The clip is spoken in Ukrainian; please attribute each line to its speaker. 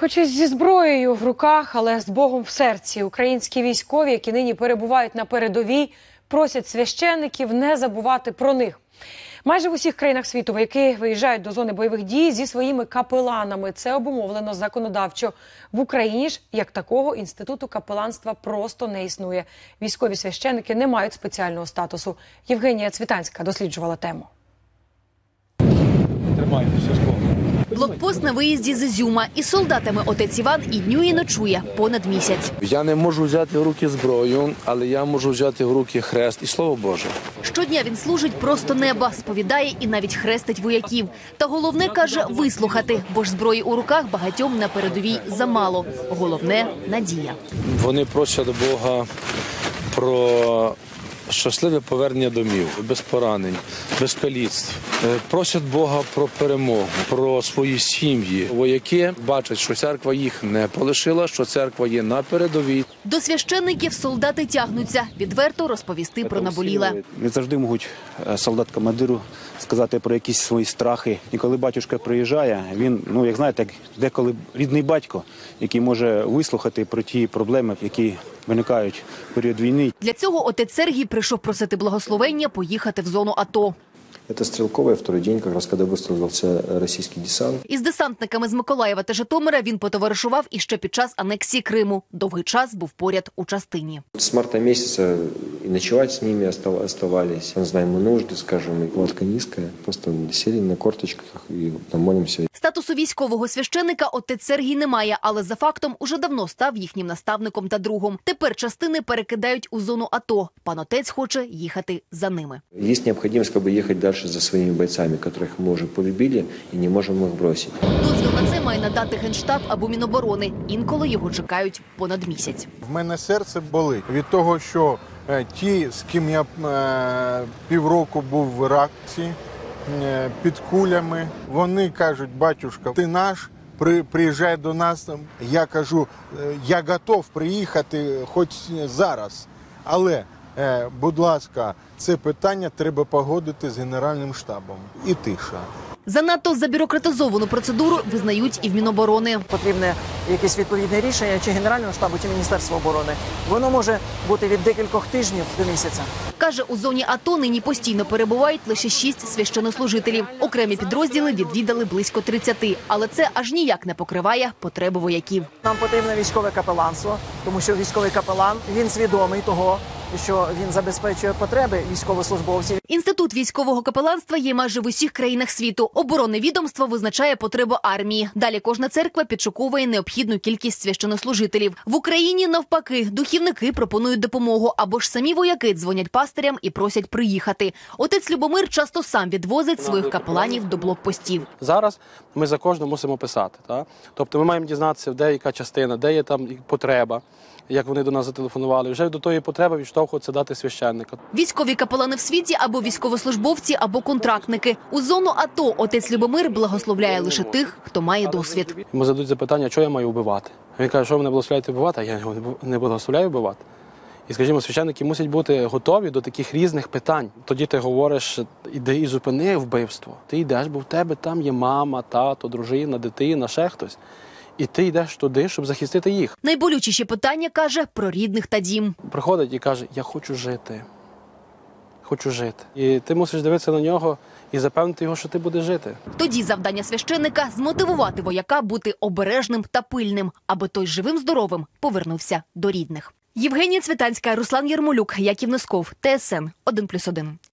Speaker 1: Хоч і зі зброєю в руках, але з Богом в серці, українські військові, які нині перебувають на передовій, просять священників не забувати про них. Майже в усіх країнах світу вояки виїжджають до зони бойових дій зі своїми капеланами. Це обумовлено законодавчо. В Україні ж, як такого, інституту капеланства просто не існує. Військові священники не мають спеціального статусу. Євгенія Цвітанська досліджувала тему.
Speaker 2: Блокпост на виїзді з Ізюма. Із солдатами отець Іван і днює, і ночує понад місяць.
Speaker 3: Я не можу взяти в руки зброю, але я можу взяти в руки хрест і Слово Боже.
Speaker 2: Щодня він служить просто неба, сповідає і навіть хрестить вояків. Та головне, каже, вислухати, бо ж зброї у руках багатьом на передовій замало. Головне – надія.
Speaker 3: Вони просять Бога про щасливе повернення домів, без поранень, без каліцтв. Просять Бога про перемогу, про свої сім'ї. Вояки бачать, що церква їх не полишила, що церква є на передовій.
Speaker 2: До священників солдати тягнуться. Відверто розповісти про наболіле.
Speaker 4: Не завжди можуть солдат-командиру сказати про якісь свої страхи. І коли батюшка приїжджає, він, як знаєте, деколи рідний батько, який може вислухати про ті проблеми, які виникають в період війни.
Speaker 2: Для цього отець Сергій прийшов просити благословення поїхати в зону АТО.
Speaker 5: Это Стрелковый, второй день, как раз когда высадился российский десант.
Speaker 2: Із десантниками з Миколаєва та Житомира він потоваришував іще під час анексії Криму. Довгий час був поряд у частині.
Speaker 5: С марта месяца и ночевать с ними оставались. Мы знаем нужды, скажем, и кладка низкая. Просто сели на корточках и там молимся.
Speaker 2: Статусу військового священика отець Сергій не має, але за фактом уже давно став їхнім наставником та другом. Тепер частини перекидають у зону АТО. Пан отець хоче їхати за ними.
Speaker 5: Есть необходимость ехать дальше за своими бойцами, которых мы уже полюбили и не можем их бросить.
Speaker 2: Дозвіл на це має надати Генштаб або Міноборони. Інколи його чекають понад місяць.
Speaker 6: В мене серце болить від того, що ті, з ким я півроку був в Іраці, під кулями, вони кажуть: батюшка, ти наш, приїжджай до нас. Я кажу, я готов приїхати хоч зараз, але, будь ласка, це питання треба погодити з Генеральним штабом. І тиша.
Speaker 2: Занадто забюрократизовану процедуру визнають і в Міноборони.
Speaker 7: Потрібне якесь відповідне рішення чи Генерального штабу, чи Міністерства оборони. Воно може бути від декількох тижнів до місяця.
Speaker 2: Каже, у зоні АТО нині постійно перебувають лише 6 священнослужителів. Окремі підрозділи відвідали близько 30, але це аж ніяк не покриває потреби вояків.
Speaker 7: Нам потрібне військове капеланство, тому що військовий капелан, він свідомий того, що він забезпечує потреби військовослужбовців.
Speaker 2: Інститут військового капеланства є майже в усіх країнах світу. Оборонне відомство визначає потребу армії. Далі кожна церква підшуковує необхідну кількість священнослужителів. В Україні, навпаки, духівники пропонують допомогу, або ж самі вояки дзвонять пастирям і просять приїхати. Отець Любомир часто сам відвозить своїх капеланів до блокпостів.
Speaker 8: Зараз ми за кожного мусимо писати. Так? Тобто ми маємо дізнатися, де яка частина, де є там потреба, як вони до нас зателефонували. Вже до тої потреби відштовхується дати священника.
Speaker 2: Військові капелани в світі або військовослужбовці, або контрактники. У зону АТО отець Любомир благословляє лише тих, хто має досвід.
Speaker 8: Йому задають запитання, що я маю вбивати. Він каже, що ви мене благословляєте вбивати, а я його не благословляю вбивати. І, скажімо, священники мусять бути готові до таких різних питань. Тоді ти говориш, іди і зупини вбивство. Ти йдеш, бо в тебе там є мама, тато, дружина, дитина, ще хтось. І ти йдеш туди, щоб захистити їх.
Speaker 2: Найболючіші питання, каже, про рідних та дім.
Speaker 8: Приходить і каже, я хочу жити. Хочу жити. І ти мусиш дивитися на нього і запевнити його, що ти будеш жити.
Speaker 2: Тоді завдання священника – змотивувати вояка бути обережним та пильним, аби той живим-здоровим повернувся до рідних. Євгенія Цвітанська, Руслан Єрмолюк, Яків Носков, ТСН 1+1.